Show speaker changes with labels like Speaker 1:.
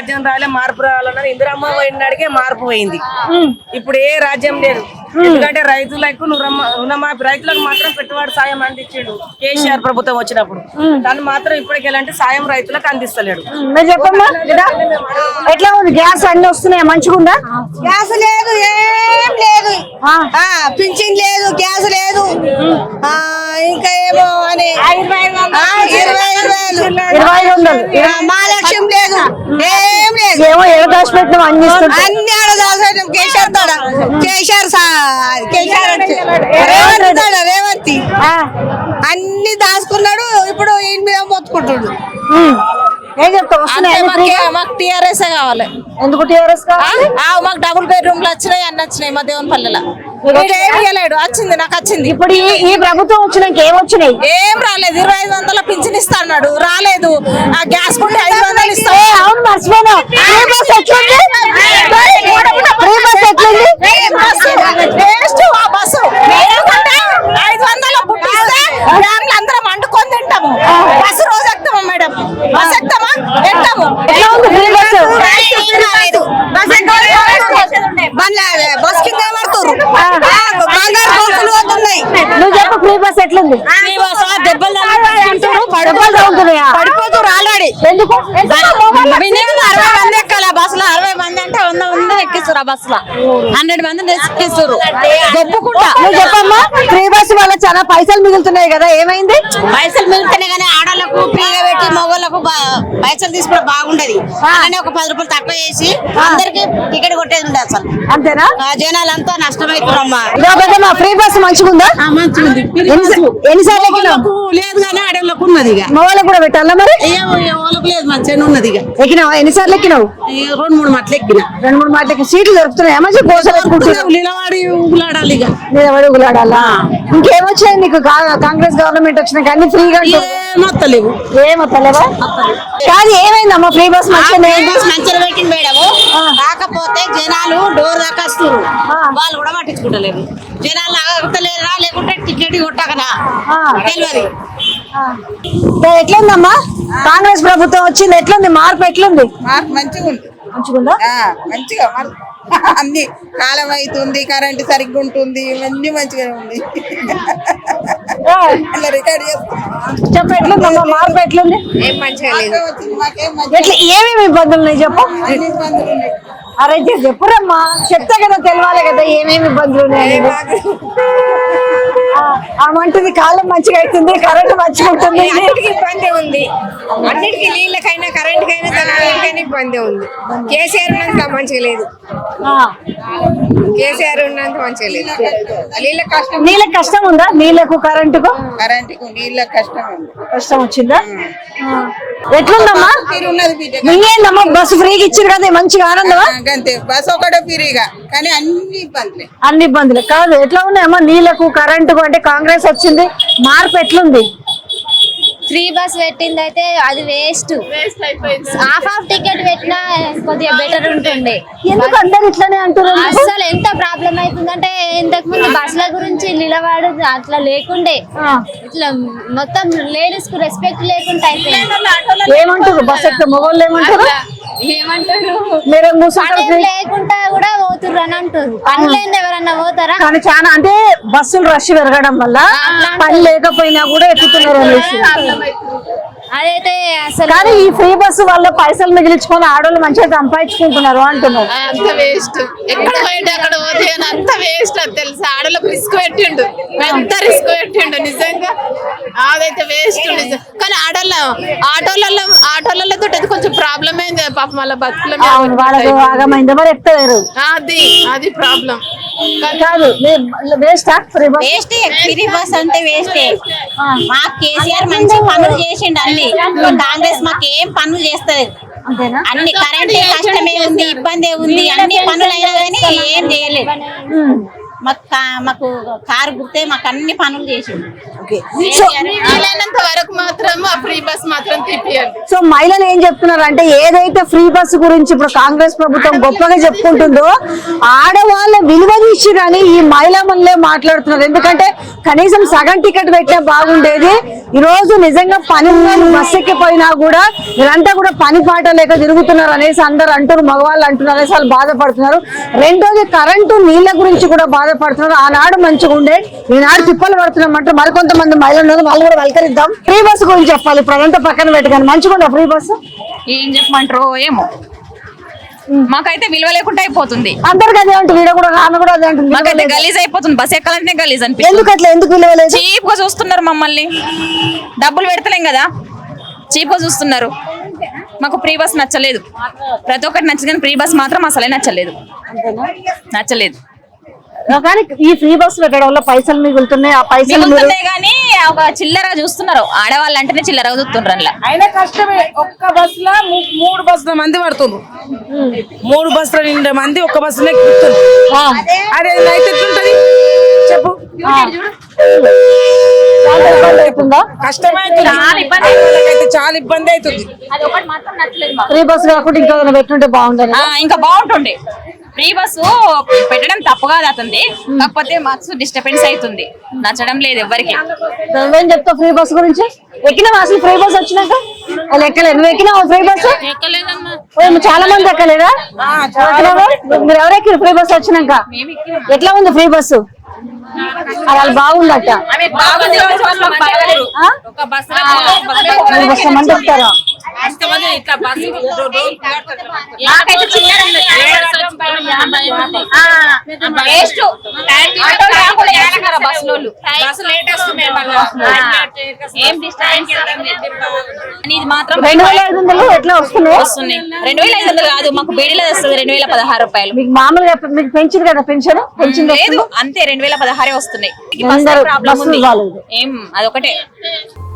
Speaker 1: రాజ్యం రాలే మార్పు రావాలన్నారు. ఇందిరమ్మ పోయినాడికే మార్పు పోయింది. ఇప్పుడు ఏ రాజ్యం లేదు. ఎందుకంటే రైతులకు రుణమాఫీ, రైతులకు మాత్రం పెట్టుబడి సాయం అందించాడు కేసీఆర్ ప్రభుత్వం వచ్చినప్పుడు. దాన్ని మాత్రం ఇప్పటికి ఎలాంటి సాయం రైతులకు అందిస్తలేడు.
Speaker 2: చెప్పమ్మా ఎట్లా ఉంది? గ్యాస్ అన్ని వస్తున్నాయా? మంచిగా ఉందా?
Speaker 3: గ్యాస్ లేదు, ఏం లేదు, పింఛన్ లేదు, గ్యాస్ లేదు, ఇంకా ఏమో అని
Speaker 2: 25,000
Speaker 3: మహాలక్ష్యం లేదు, ఏం లేదు.
Speaker 2: ఏమో ఏదో దాచి పెట్టినాం అందిస్తుంది.
Speaker 3: అన్ని ఆడ దాచిపెట్టాం. రేవంత్ అన్ని దాచుకున్నాడు. ఇప్పుడు ఈయన మీద మొత్తుకుంటున్నాడు.
Speaker 2: ఏం చెప్తావు?
Speaker 4: మాకు టీఆర్ఎస్ కావాలి.
Speaker 2: ఎందుకు టీఆర్ఎస్ కావాలి?
Speaker 4: మాకు డబుల్ బెడ్రూమ్లు వచ్చినాయి, అన్ని వచ్చినాయి. మా దేవునిపల్లెలో ఏమి ఇవ్వలేడు. వచ్చింది, నాకు వచ్చింది.
Speaker 2: ఇప్పుడు ఈ ప్రభుత్వం వచ్చినాక ఏమొచ్చినాయి?
Speaker 4: ఏం రాలేదు. 2500 పింఛన్ ఇస్తా అన్నాడు, రాలేదు. ఆ గ్యాస్ కుంటే 500 ఇస్తా.
Speaker 2: అవును, మర్చిపోయినా.
Speaker 4: బస్సు 500 పుట్టిస్తే అందరం వండుకొని తింటాము. బస్సు రోజు ఎక్కుతామా మేడం? బస్ ఎక్కుతామా? ఎక్కుతాము.
Speaker 3: బస్ కింద పడుతున్నారు.
Speaker 2: నువ్వు చెప్పు, ఫ్రీ బస్ ఎట్లుంది?
Speaker 4: పడిపోతారు ఆల్రెడీ.
Speaker 2: ఎందుకు?
Speaker 4: 60 మంది ఎక్కాలి బస్సులో. 60 మంది అంటే 100 మంది ఎక్కిస్తారు. ఆ బస్సులో 100 మంది ఎక్కిస్తారు.
Speaker 2: చెప్పుకుంటా. నువ్వు చెప్పమ్మా, ఫ్రీ బస్ వల్ల చాలా పైసలు మిగులుతున్నాయి కదా, ఏమైంది?
Speaker 3: పైసలు మిగులుతున్నాయి కానీ ఆడోళ్ళకు ఫ్రీగా పెట్టి మగోళ్ళకు పైసలు తీసుకోవడం బాగుండదు. అలానే ఒక 10 రూపాయలు తక్కువ చేసి అందరికి టికెట్ కొట్టేది ఉండదు. అసలు
Speaker 2: అంతేనా?
Speaker 3: జనాలంతా నష్టమైతున్నామ్మా.
Speaker 2: ఫ్రీ బస్ మంచిగా ఉందా?
Speaker 3: మంచిగుంది.
Speaker 2: ఎన్నిసార్లు ఎక్కినావు?
Speaker 3: లేదు కానీ ఆడోళ్ళకు ఉన్నది. ఇక
Speaker 2: మగవాళ్ళకి కూడా పెట్టాలా మరి?
Speaker 3: వాళ్ళకు లేదు, మంచిగా ఉన్నది. ఇక
Speaker 2: ఎక్కినావా? ఎన్నిసార్లు ఎక్కినావు?
Speaker 3: 2-3 మాటలు ఎక్కిన.
Speaker 2: 2-3 మాటలకి సీట్లు దొరుకుతున్నాయా? మంచి
Speaker 3: నిలబడి ఊగులాడాలి. ఇక
Speaker 2: నిలబడి ఊగులాడాలా? ఇంకేమొచ్చాయి నీకు? కాంగ్రెస్ గవర్నమెంట్ వచ్చినాక అన్ని ఫ్రీగా
Speaker 3: మొత్తలేవు.
Speaker 2: ఏమొత్తలేవా? కాదు, ఏమైందమ్మా? ఫ్రీ బస్ మంచిగా
Speaker 3: పెట్టింది మేడము. కాకపోతే జనాలు డోర్ దాకా వస్తారు, వాళ్ళు కూడా పట్టించుకుంటలేరు. జనాలు ఆగలేరా లేకుంటే టికెట్ కొట్టకనా తెలియదు.
Speaker 2: ఎట్లుందమ్మా? కాంగ్రెస్ ప్రభుత్వం వచ్చింది, ఎట్లుంది? మార్పు ఎట్లుంది?
Speaker 3: మార్పు మంచిగా ఉంది.
Speaker 2: మంచిగుందా?
Speaker 3: మంచిగా అన్ని కాలం అవుతుంది, కరెంట్ సరిగ్గా ఉంటుంది, అన్ని మంచిగా ఉంది. రికార్డ్
Speaker 2: చెప్పు, ఎట్లుందమ్మా? మార్పు ఎట్లుంది?
Speaker 3: ఏం మంచిగా లేదు.
Speaker 2: ఏమేమి ఇబ్బందులు ఉన్నాయి చెప్పు.
Speaker 3: ఇబ్బందులు ఉన్నాయి.
Speaker 2: అరే చెప్పురమ్మా, చెప్తా కదా, తెలియాలి కదా ఏమేమి ఇబ్బందులు ఉన్నాయి. అమంటుంది కాలం మంచిగా అవుతుంది, కరెంట్ మంచిగా ఉంటుంది.
Speaker 5: అన్నిటికీ ఇబ్బంది ఉంది. అన్నిటికీ నీళ్ళకైనా కరెంట్కైనా దానికైనా ఇబ్బంది ఉంది. కేసీఆర్ ఉన్నంత మంచిగా లేదు. కేసీఆర్ ఉన్నంత మంచిగా లేదు.
Speaker 2: నీళ్ళకి కష్టం ఉందా? నీళ్ళకు కరెంటుకు
Speaker 3: నీళ్ళకి
Speaker 2: కష్టం వచ్చిందా? ఎట్లుందమ్మా? ఇంకేందమ్మా, బస్సు ఫ్రీగా ఇచ్చారు కదా, మంచిగా ఆనందమా?
Speaker 3: అంతే, బస్ ఒకటే ఫ్రీగా, కానీ
Speaker 2: అన్ని ఇబ్బందులు కాదు. ఎట్లా ఉన్నాయమ్మా నీళ్ళకు కరెంటుకు? అంటే కాంగ్రెస్ వచ్చింది, మార్పు ఎట్లుంది?
Speaker 6: ఫ్రీ బస్ పెట్టింది అయితే అది వేస్ట్. హాఫ్ టికెట్ పెట్టినా కొద్దిగా బెటర్ ఉంటుండే.
Speaker 2: ఎందుకు అందరు ఇట్లానే అంటారు?
Speaker 6: అసలు ఎంత ప్రాబ్లం అవుతుందంటే, ఇంతకు ముందు బస్సుల గురించి నిలబడు అట్లా లేకుండే, ఇట్లా మొత్తం లేడీస్ కు రెస్పెక్ట్ లేకుండా అయిపోయింది.
Speaker 2: ఏమంటారు? బస్ ఎక్కితే మొగోళ్ళు ఏమంటారు?
Speaker 6: లేకుండా కూడా పోతుర్రు అని అంటారు. పని లేని ఎవరన్నా పోతారా?
Speaker 2: కానీ చాలా అంటే బస్సులు రష్ పెరగడం వల్ల పని లేకపోయినా కూడా ఎక్కుతున్నారు అనేసి.
Speaker 6: అదైతే అసలు.
Speaker 2: కానీ ఈ ఫ్రీ బస్సు వల్ల పైసలు మిగిలించుకొని ఆడవాళ్ళు మంచిగా సంపాదించుకుంటున్నారు అంటున్నారు.
Speaker 4: అంత వేస్ట్. ఎక్కడ పోయిండు అక్కడ పోతే అంత వేస్ట్. అది తెలుసు, ఆడలకు రిస్క్ పెట్టిండు, ఎంత రిస్క్ పెట్టిండు నిజంగా. అదైతే వేస్ట్ నిజం. కానీ ఆటోలతో అది కొంచెం ప్రాబ్లమ్ అయింది పాపం, వాళ్ళ బతుకుల
Speaker 2: మరి ఎక్కలేరు.
Speaker 4: అది ప్రాబ్లం
Speaker 2: కాదు. వేస్ట్
Speaker 3: ఫ్రీ బస్ అంటే వేస్టే. మాకు కేసీఆర్ మంచి పనులు చేసిండు. అన్ని కాంగ్రెస్ మాకు ఏం పనులు చేస్తలేదు. అన్ని కరెంట్ కష్టమే ఉంది, ఇబ్బంది ఉంది. అన్ని పనులు అయినా కానీ ఏం చేయలేదు. మాకు కారు గుర్తే మాకు అన్ని పనులు చేసిండు.
Speaker 4: వరకు మాత్రం ఫ్రీ బస్ మాత్రం తిప్పియాలి.
Speaker 2: సో మహిళలు ఏం చెప్తున్నారు అంటే, ఏదైతే ఫ్రీ బస్ గురించి ఇప్పుడు కాంగ్రెస్ ప్రభుత్వం గొప్పగా చెప్పుకుంటుందో, ఆడవాళ్ళ విలువ తీసి కానీ ఈ మహిళా మనలే మాట్లాడుతున్నారు. ఎందుకంటే కనీసం సగం టికెట్ పెట్టినా బాగుండేది, ఈ రోజు నిజంగా పని బస్ ఎక్కిపోయినా కూడా వీళ్ళంతా కూడా పని పాట లేక తిరుగుతున్నారు అనేసి అందరు అంటారు, మగవాళ్ళు అంటున్నారు అనేసి వాళ్ళు బాధపడుతున్నారు. రెండోది కరెంటు నీళ్ల గురించి కూడా బాధపడుతున్నారు. ఆనాడు మంచిగా ఉండే, ఈనాడు తిప్పలు పడుతున్నామంటే మరికొంతమంది మహిళలు ఉన్నారు, వాళ్ళు కూడా వెల్కరిద్దాం. ఫ్రీ బస్సు గురించి చెప్పాలి, ఇప్పుడు అదంతా పక్కన పెట్టుకొని మంచిగా ఉండే ఫ్రీ బస్సు.
Speaker 7: ఏం చెప్పమంటారో ఏమో, మాకైతే విలువ లేకుండా అయిపోతుంది.
Speaker 2: అందరికి అదే ఉంటుంది, వీడ కూడా ఆమె కూడా అదే ఉంటుంది.
Speaker 7: మాకైతే గలీజ్ అయిపోతుంది, బస్ ఎక్కాలంటే గలీజ్ అనిపిస్తుంది.
Speaker 2: ఎందుకు అట్లా, ఎందుకు విలువలేదు?
Speaker 7: చీప్ గా చూస్తున్నారు మమ్మల్ని, డబ్బులు పెడతలేం కదా, చీప్ గా చూస్తున్నారు. మాకు ఫ్రీ బస్ నచ్చలేదు, ప్రతి ఒక్కటి నచ్చదు కానీ ఫ్రీ బస్ మాత్రం అసలే నచ్చలేదు.
Speaker 2: కానీ ఈ ఫ్రీ బస్సు పెట్టడం వల్ల పైసలు మిగులుతున్నాయి. ఆ పైసలు
Speaker 7: మిగులుతున్నాయి కానీ ఒక చిల్లర చూస్తున్నారు, ఆడవాళ్ళు అంటేనే చిల్లరగా చూస్తున్నారు. అందులో
Speaker 1: అయినా కష్టమే, ఒక్క బస్ లో 3 బస్సుల మంది పడుతున్నారు. 3 బస్సుల నిండా మంది ఒక్క బస్సులో ఎక్కుతున్నారు. అదే అయితే ఎట్లుంటది చెప్పు, కష్టమైతే చాలా ఇబ్బంది అవుతుంది.
Speaker 7: అది ఒకటి మాత్రం నచ్చలేదు మాకు.
Speaker 2: ఫ్రీ బస్సు కాకుండా ఇంకా ఏదైనా పెట్టుంటే బాగుంటుంది.
Speaker 7: ఇంకా బాగుంటుండే. ఫ్రీ బస్సు పెట్టడం తప్పు కాదు అతనిది, కాకపోతే మాకు డిస్టర్బెన్స్ అవుతుంది, నచ్చడం లేదు ఎవరికి.
Speaker 2: నువ్వేం చెప్తావు ఫ్రీ బస్ గురించి? ఎక్కినావా అసలు ఫ్రీ బస్ వచ్చినాక? అది ఎక్కలేదు. నువ్వు ఎక్కినావా ఫ్రీ బస్? చాలా మంది ఎక్కలేదా? మీరు ఎవరు ఎక్కిరు ఫ్రీ బస్ వచ్చినాక? ఎట్లా ఉంది ఫ్రీ బస్సు? అది బాగుందట. మంది ఎక్కుతారా?
Speaker 7: ఇది మాత్రం
Speaker 2: 2500 ఎట్లా వస్తున్నాయి?
Speaker 7: 2500 కాదు, మాకు బీడీలో వస్తుంది 2016 రూపాయలు.
Speaker 2: మీకు మామూలుగా మీకు పెంచింది కదా పెన్షన్?
Speaker 7: లేదు, అంతే 2016 వస్తున్నాయి.
Speaker 2: అందరూ
Speaker 7: ప్రాబ్లం ఉంది
Speaker 2: బస్సులు బాగాలేదు.
Speaker 7: ఏం అదొకటే.